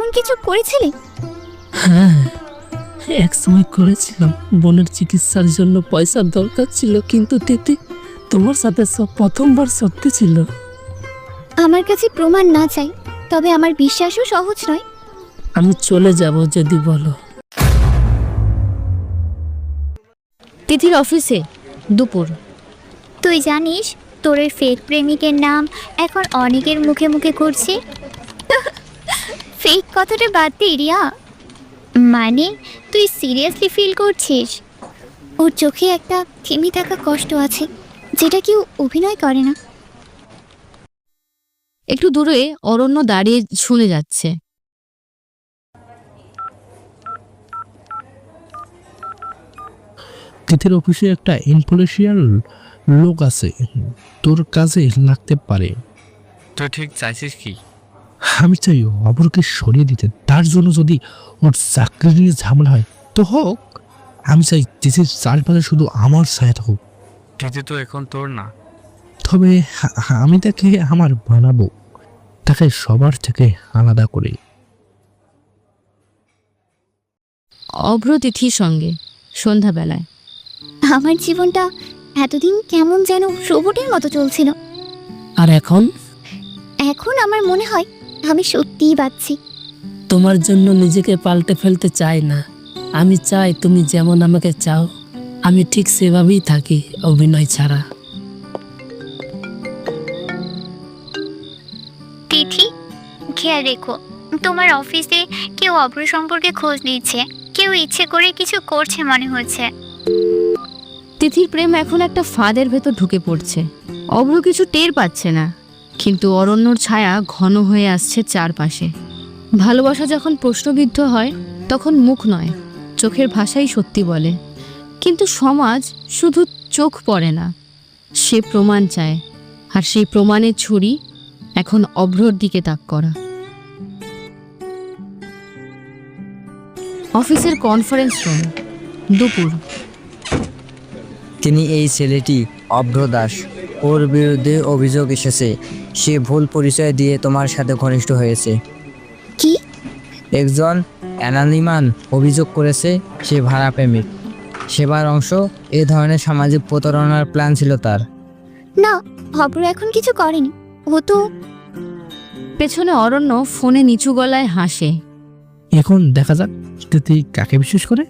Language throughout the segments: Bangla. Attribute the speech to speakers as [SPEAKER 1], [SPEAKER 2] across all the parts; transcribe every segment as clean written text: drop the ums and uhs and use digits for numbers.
[SPEAKER 1] কিছু করেছিলি?
[SPEAKER 2] হ্যাঁ, এক সময় করেছিলাম। বোনের চিকিৎসার জন্য পয়সার দরকার ছিল, কিন্তু তিথি তোমার সাথে সব প্রথমবার সত্যি ছিল।
[SPEAKER 1] আমার কাছে প্রমাণ না চাই, তবে আমার বিশ্বাসও সহজ নয়।
[SPEAKER 2] আমি চলে যাব যদি বলো।
[SPEAKER 3] তিথির অফিসে দুপুর।
[SPEAKER 1] তুই জানিস তোর এই ফেক প্রেমিকের নাম এখন অনেকের মুখে মুখে ঘুরছে। ফেক কথাটা বাদ দে রিয়া, মানে তুই সিরিয়াসলি ফিল করছিস? ওর চোখে একটা থেমে থাকা কষ্ট আছে, যেটা কেউ অভিনয় করে না।
[SPEAKER 3] একটু দূরে অরণ্য দাঁড়িয়ে শুনে যাচ্ছে।
[SPEAKER 4] তিথির অফিসে একটা ইনফ্লুয়েন্সিয়াল লোক আছে, তোর কাজে লাগতে পারে।
[SPEAKER 5] তুই ঠিক চাইছিস কি?
[SPEAKER 4] আমি চাই অপরকে সরিয়ে দিতে, তার জন্য যদি ওর চাকরি নিয়ে ঝামেলা হয় তো হোক। আমি চাই তিথির চারপাশে শুধু আমার ছায়া থাকুক।
[SPEAKER 5] তিথি তো এখন তোর না।
[SPEAKER 4] তবে আমি তাকে আমার বানাবো, তাকে সবার থেকে আলাদা করে।
[SPEAKER 3] অভ্র তিথির সঙ্গে সন্ধ্যাবেলায়।
[SPEAKER 1] আমার জীবনটা এতদিন কেমন যেন রোবটের মতো চলছিল।
[SPEAKER 2] আর এখন
[SPEAKER 1] এখন আমার মনে হয় আমি সত্যিই বাঁচছি।
[SPEAKER 2] তোমার জন্য নিজেকে পাল্টে ফেলতে চাই না। আমি চাই তুমি যেমন আমাকে চাও, আমি ঠিক সেভাবেই থাকি, অভিনয় ছাড়া।
[SPEAKER 1] তিথি, খেয়াল রেখো, তোমার অফিসে কেউ অভ্র সম্পর্কে খোঁজ নিচ্ছে, কেউ ইচ্ছে করে কিছু করছে মনে হচ্ছে।
[SPEAKER 3] তিথির প্রেম এখন একটা ফাঁদের ভেতর ঢুকে পড়ছে। অভ্র কিছু টের পাচ্ছে না, কিন্তু অরণ্যর ছায়া ঘন হয়ে আসছে চারপাশে। ভালোবাসা যখন প্রশ্নবিদ্ধ হয় তখন মুখ নয়, চোখের ভাষাই সত্যি বলে। কিন্তু সমাজ শুধু চোখ পড়ে না, সে প্রমাণ চায়, আর সেই প্রমাণের ছুরি এখন অভ্রর দিকে তাক করা। অফিসের কনফারেন্স রুম, দুপুর।
[SPEAKER 6] তিনি এই ছেলেটি অভ্র দাস, ওর বিরুদ্ধে অভিযোগ এসেছে। সে ভুল পরিচয় দিয়ে তোমার সাথে ঘনিষ্ঠ হয়েছে।
[SPEAKER 1] কি?
[SPEAKER 6] একজন অ্যানালিমান অভিযোগ করেছে সে ভাড়া প্রেমিক। সেবার অংশ এ ধরনের সামাজিক প্রতারণার প্ল্যান ছিল তার।
[SPEAKER 1] না, অভ্র এখন কিছু করেনি। ও তো
[SPEAKER 3] পেছনে অরণ্য ফোনে নিচু গলায় হাসে।
[SPEAKER 4] এখন দেখা যাক তিথি কাকে বিশ্বাস করে।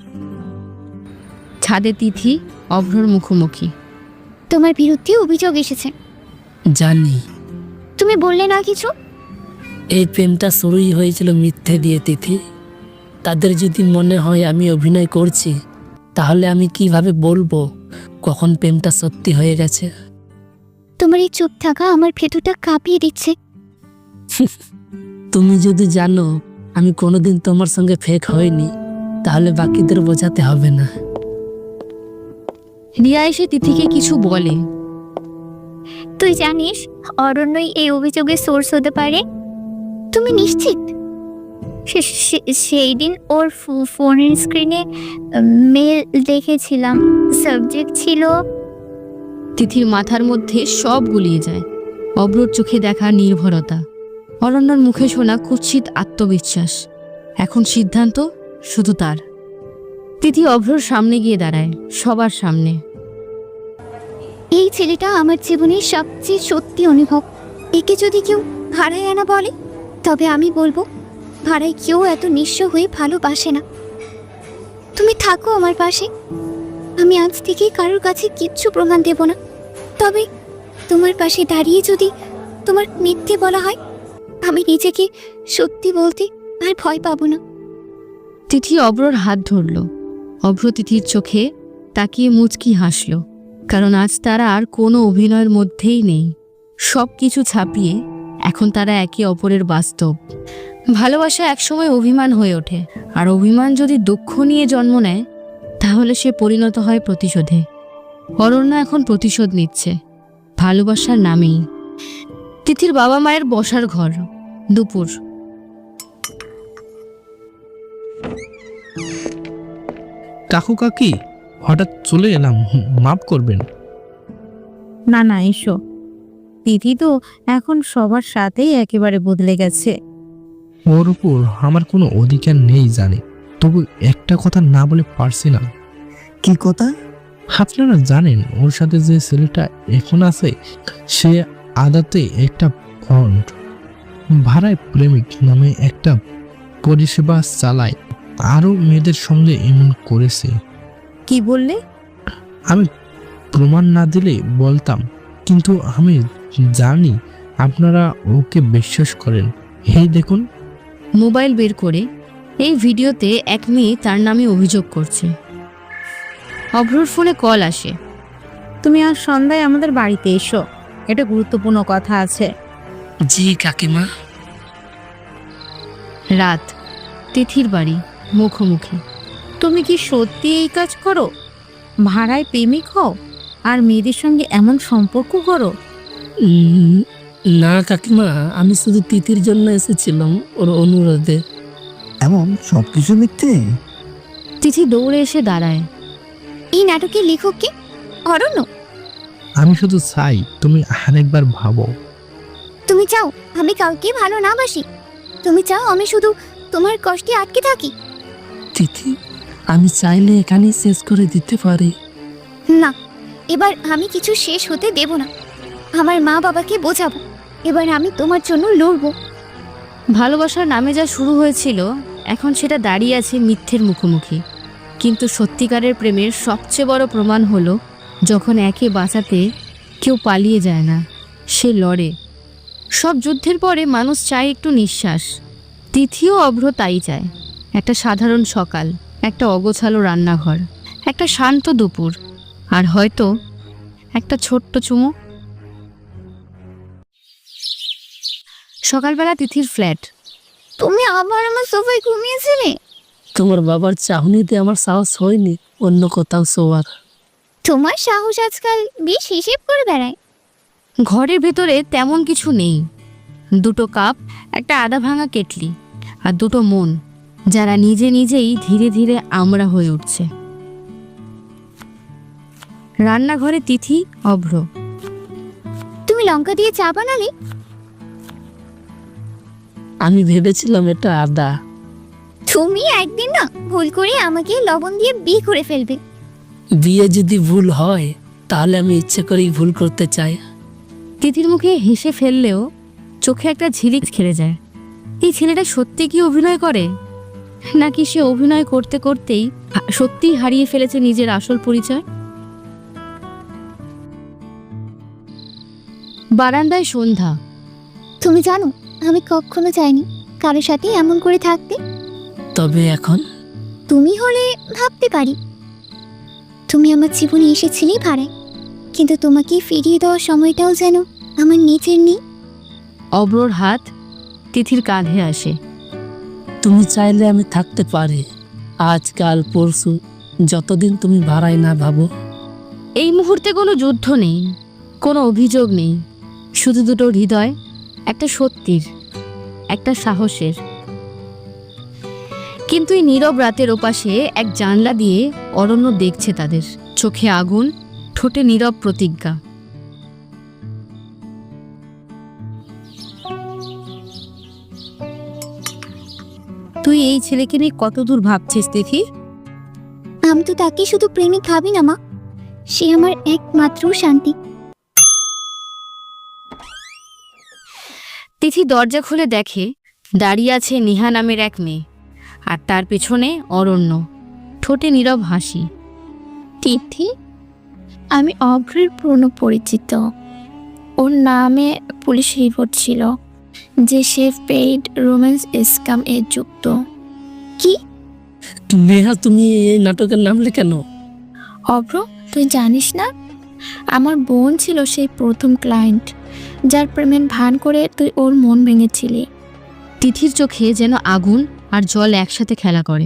[SPEAKER 3] ছাদে তিথি অভ্রর মুখোমুখি।
[SPEAKER 1] তোমার বিরুদ্ধে অভিযোগ এসেছে।
[SPEAKER 2] জানি।
[SPEAKER 1] তুমি বললে না কিছু?
[SPEAKER 2] এই প্রেমটা শুরুই হয়েছিল মিথ্যে দিয়ে তিথি। তাদের যদি মনে হয় আমি অভিনয় করছি, তাহলে আমি কিভাবে বলবো কখন প্রেমটা সত্যি হয়ে গেছে?
[SPEAKER 1] তোমার এই চুপ থাকা আমার ভেতরটা কাঁপিয়ে দিচ্ছে।
[SPEAKER 2] তুমি যদি জানো আমি কোনোদিন তোমার সঙ্গে ফেক হয়নি, তাহলে বাকিদের বোঝাতে হবে না।
[SPEAKER 3] রিয়া এসে তিথিকে কিছু বলে।
[SPEAKER 1] তুই জানিস অরণ্যই এই অভিযোগের সোর্স হতে পারে? তুমি নিশ্চিত? সেই দিন ওর ফোনের স্ক্রিনে মেল দেখেছিলাম, সাবজেক্ট ছিল।
[SPEAKER 3] তিথির মাথার মধ্যে সব গুলিয়ে যায়। অভ্রর চোখে দেখা নির্ভরতা, অরণ্যর মুখে শোনা কুৎসিত আত্মবিশ্বাস। এখন সিদ্ধান্ত শুধু তার। তিথি অভ্রর সামনে গিয়ে দাঁড়ায়, সবার সামনে।
[SPEAKER 1] এই ছেলেটা আমার জীবনের সবচেয়ে সত্যি অনুভব। একে যদি কেউ ভাড়ায় আনা বলে, তবে আমি বলবো ভাড়ায় কেউ এত নিঃস্ব হয়ে ভালোবাসে না। তুমি থাকো আমার পাশে। আমি আজ থেকে কারোর কাছে কিচ্ছু প্রমাণ দেব না, তবে তোমার পাশে দাঁড়িয়ে যদি তোমার মিথ্যে বলা হয়, আমি নিজেকে সত্যি বলতে আর ভয় পাবো না।
[SPEAKER 3] তিথি অভ্রর হাত ধরল। অভ্র তিথির চোখে তাকিয়ে মুচকি হাসল, কারণ আজ তারা আর কোনো অভিনয়ের মধ্যেই নেই। সব কিছু ছাপিয়ে এখন তারা একে অপরের বাস্তব। ভালোবাসা একসময় অভিমান হয়ে ওঠে, আর অভিমান যদি দুঃখ নিয়ে জন্ম নেয়, তাহলে সে পরিণত হয় প্রতিশোধে। অরণ্য এখন প্রতিশোধ নিচ্ছে, ভালোবাসার নামেই। তিথির বাবা মায়ের বসার ঘর, দুপুর।
[SPEAKER 4] কাকু কাকি, হঠাৎ চলে এলাম, মাফ করবেন।
[SPEAKER 7] না না, এসো। তিথি তো এখন সবার সাথেই একেবারে বদলে গেছে।
[SPEAKER 4] ওর উপর আমার কোনো অধিকার নেই জানি, তবু একটা কথা না বলে পারছি না।
[SPEAKER 8] কি কথা?
[SPEAKER 4] আপনারা জানেন ওর সাথে যে ছেলেটা এখন আছে সে আদাতে একটা ফন্ড ভাড়ায় প্রেমিক নামে একটা পরিষেবা চালায়, আরো মেয়েদের সঙ্গে এমন করেছে।
[SPEAKER 3] কি বললে?
[SPEAKER 4] আমি প্রমাণ না দিলে বলতাম, কিন্তু আমি জানি আপনারা ওকে বিশ্বাস করেন। এই দেখুন।
[SPEAKER 3] মোবাইল বের করে এই ভিডিওতে এক মেয়ে তার নামে অভিযোগ করছে। অভ্রর ফোনে কল আসে।
[SPEAKER 7] তুমি আজ সন্ধ্যায় আমাদের বাড়িতে এসো, এটা গুরুত্বপূর্ণ কথা আছে।
[SPEAKER 2] জি কাকিমা।
[SPEAKER 3] রাত, তিথির বাড়ি, মুখোমুখি।
[SPEAKER 7] তুমি কি সত্যি এই কাজ করো? ভাড়ায় প্রেমিক হও আর মেয়েদের সঙ্গে এমন সম্পর্ক করো?
[SPEAKER 2] না কাকিমা, আমি শুধু তিথির জন্য এসেছিলাম, ওর অনুরোধে।
[SPEAKER 8] এমন সবকিছু মিথ্যে?
[SPEAKER 3] তিথি দৌড়ে এসে দাঁড়ায়।
[SPEAKER 1] এই নাটকের লেখক কে? অরণ্য।
[SPEAKER 4] আমি শুধু চাই তুমি আরেকবার ভাবো।
[SPEAKER 1] তুমি চাও আমি কাউকে ভালো না বাসি? তুমি চাও আমি শুধু তোমার কষ্টে আটকে থাকি?
[SPEAKER 2] তিথি, আমি চাইলে এখানেই শেষ করে দিতে পারি।
[SPEAKER 1] না, এবার আমি কিছু শেষ হতে দেব না। আমার মা বাবাকে বোঝাবো, এবার আমি তোমার জন্য লড়বো।
[SPEAKER 3] ভালোবাসার নামে যা শুরু হয়েছিল এখন সেটা দাঁড়িয়ে আছে মিথ্যের মুখোমুখি। কিন্তু সত্যিকারের প্রেমের সবচেয়ে বড় প্রমাণ হলো যখন একে বাঁচাতে কেউ পালিয়ে যায় না, সে লড়ে। সব যুদ্ধের পরে মানুষ চায় একটু নিঃশ্বাস। তিথিও অভ্র তাই চায়। একটা সাধারণ সকাল, একটা অগোছালো রান্নাঘর, একটা শান্ত দুপুর, আর হয়তো একটা ছোট্ট চুমু। সকালবেলা তিথির ফ্ল্যাট।
[SPEAKER 1] তুমি আবার আমার সোফায় ঘুমিয়েছিলে?
[SPEAKER 2] তোমার বাবার চাহনিতে আমার সাহস হয়নি অন্য কোথাও শোয়ার।
[SPEAKER 1] তোমার সাহস আজকাল বেশ হিসেব করে বেড়ায়।
[SPEAKER 3] ঘরের ভেতরে তেমন কিছু নেই। দুটো কাপ, একটা আধা ভাঙা কেটলি, আর দুটো মন যারা নিজে নিজেই ধীরে ধীরে আমরা হয়ে উঠছে। রান্নাঘরে তিথি, অভ্র।
[SPEAKER 1] তুমি লঙ্কা দিয়ে চা বানালে?
[SPEAKER 2] আমি ভেবেছিলাম এটা আদা।
[SPEAKER 1] তুমি একদিন না ভুল করে আমাকে লবণ দিয়ে বিয়ে করে ফেলবে।
[SPEAKER 2] বিয়ে যদি ভুল হয় তাহলে আমি ইচ্ছে করেই ভুল করতে চাই।
[SPEAKER 3] তিথির মুখে হেসে ফেললেও চোখে একটা ঝিলিক খেলে যায়। এই ছেলেটা সত্যি কি অভিনয় করে, নাকি সে অভিনয় করতে করতেই সত্যিই হারিয়ে ফেলেছে নিজের আসল পরিচয়? বারান্দায় সন্ধ্যা।
[SPEAKER 1] তুমি জানো আমি কখনো চাইনি কারোর সাথে এমন করে থাকতে।
[SPEAKER 2] তবে এখন
[SPEAKER 1] তুমি হলে ভাবতে পারি। তুমি আমার জীবনে এসেছিলে ভাড়ায়, কিন্তু তোমাকে ফিরিয়ে দেওয়ার সময়টাও যেন আমার নিজের নেই।
[SPEAKER 3] অব্রর হাত তিথির কাঁধে আসে।
[SPEAKER 2] তুমি চাইলে আমি থাকতে পারি, আজ কাল পরশু, যতদিন তুমি ভাড়ায় না ভাবো।
[SPEAKER 3] এই মুহূর্তে কোনো যুদ্ধ নেই, কোনো অভিযোগ নেই, শুধু দুটো হৃদয়, একটা সত্যির, একটা সাহসের। কিন্তু এই নীরব রাতের ওপাশে এক জানলা দিয়ে অরণ্য দেখছে তাদের। চোখে আগুন, ঠোঁটে নীরব প্রতিজ্ঞা। তুই এই ছেলেকে নিয়ে কত দূর ভাবছিস তিথি?
[SPEAKER 1] আমি তো তাকে শুধু প্রেমিক ভাবি না মা, সে আমার একমাত্র শান্তি।
[SPEAKER 3] তিথি দরজা খুলে দেখে দাঁড়িয়ে আছে নেহা নামের এক মেয়ে, আর তার পেছনে অরণ্য, ঠোঁটে নীরব হাসি।
[SPEAKER 7] তিথি, আমি অভ্রের পুরনো পরিচিত। ওর নামে পুলিশ রিপোর্ট ছিল যে সে পেইড রোম্যান্স স্ক্যাম এ যুক্ত।
[SPEAKER 1] কি?
[SPEAKER 2] নেহা, তুমি এই নাটকের নামলে কেন?
[SPEAKER 7] অভ্র, তুই জানিস না আমার বোন ছিল সেই প্রথম ক্লায়েন্ট যার প্রেমের ভান করে তুই ওর মন ভেঙেছিলি।
[SPEAKER 3] তিথির চোখে যেন আগুন আর জল একসাথে খেলা করে।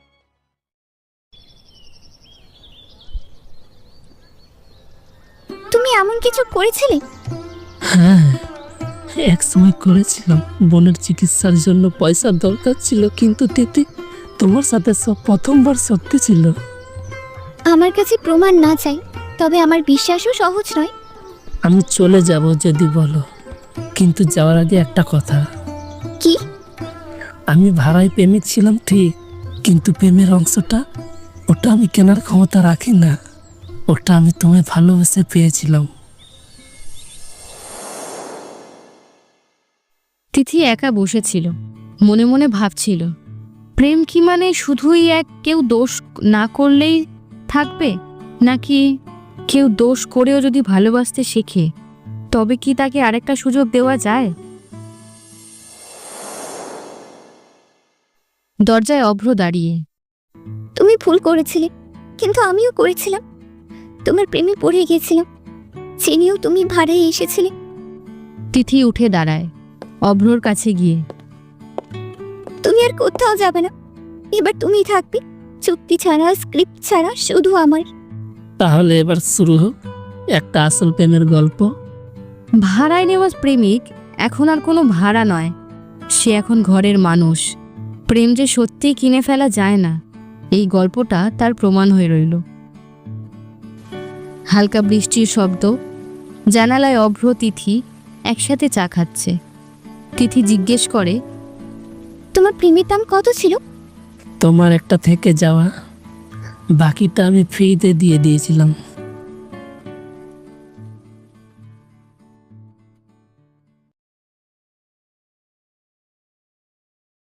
[SPEAKER 1] তুমি এমন কিছু করেছিলে?
[SPEAKER 2] হ্যাঁ, এক সময় করেছিলাম। বোনের চিকিৎসার জন্য পয়সার দরকার ছিল, কিন্তু তিথি, তোমার সাথে সব প্রথমবার সত্যি ছিল।
[SPEAKER 1] আমার কাছে প্রমাণ না চাই, তবে আমার বিশ্বাসও সহজ নয়।
[SPEAKER 2] আমি চলে যাব যদি বলো, কিন্তু যাওয়ার আগে একটা কথা।
[SPEAKER 1] কি?
[SPEAKER 2] আমি ভাড়ায় প্রেমিক ছিলাম ঠিক, কিন্তু প্রেমের অংশটা ওটা আমি কেনার ক্ষমতা রাখি না। ওটা আমি তোমায় ভালোবেসে পেয়েছিলাম।
[SPEAKER 3] তিথি একা বসেছিল, মনে মনে ভাবছিল, প্রেম কি মানে শুধুই কেউ দোষ না করলেই থাকবে, নাকি কেউ দোষ করেও যদি ভালোবাসতে শেখে তবে কি তাকে আরেকটা সুযোগ দেওয়া যায়? দরজায় অভ্র দাঁড়িয়ে।
[SPEAKER 1] তুমি ভুল করেছিলে, কিন্তু আমিও করেছিলাম। তোমার প্রেমে পড়ে গিয়েছিলাম, চিনিও তুমি ভাড়ায় এসেছিলে।
[SPEAKER 3] তিথি উঠে দাঁড়ায় অভ্রর কাছে গিয়ে।
[SPEAKER 1] তুমি আর কোথাও যাবে না, এবার তুমি থাকবে চুক্তি ছাড়া, স্ক্রিপ্ট ছাড়া, শুধু আমার।
[SPEAKER 2] তাহলে এবার শুরু হোক একটা আসল প্রেমের গল্প।
[SPEAKER 3] ভাড়ায় নেওয়া প্রেমিক এখন আর কোনো ভাড়া নয়, সে এখন ঘরের মানুষ। প্রেম যে সত্যিই কিনে ফেলা যায় না, এই গল্পটা তার প্রমাণ হয়ে রইল। হালকা বৃষ্টির শব্দ, জানালায় অভ্র তিথি একসাথে চা খাচ্ছে। তিথি জিজ্ঞেস করে,
[SPEAKER 1] তোমার প্রেমের দাম কত ছিল?
[SPEAKER 2] তোমার একটা থেকে যাওয়া, বাকিটা আমি ফ্রিতে দিয়ে দিয়েছিলাম।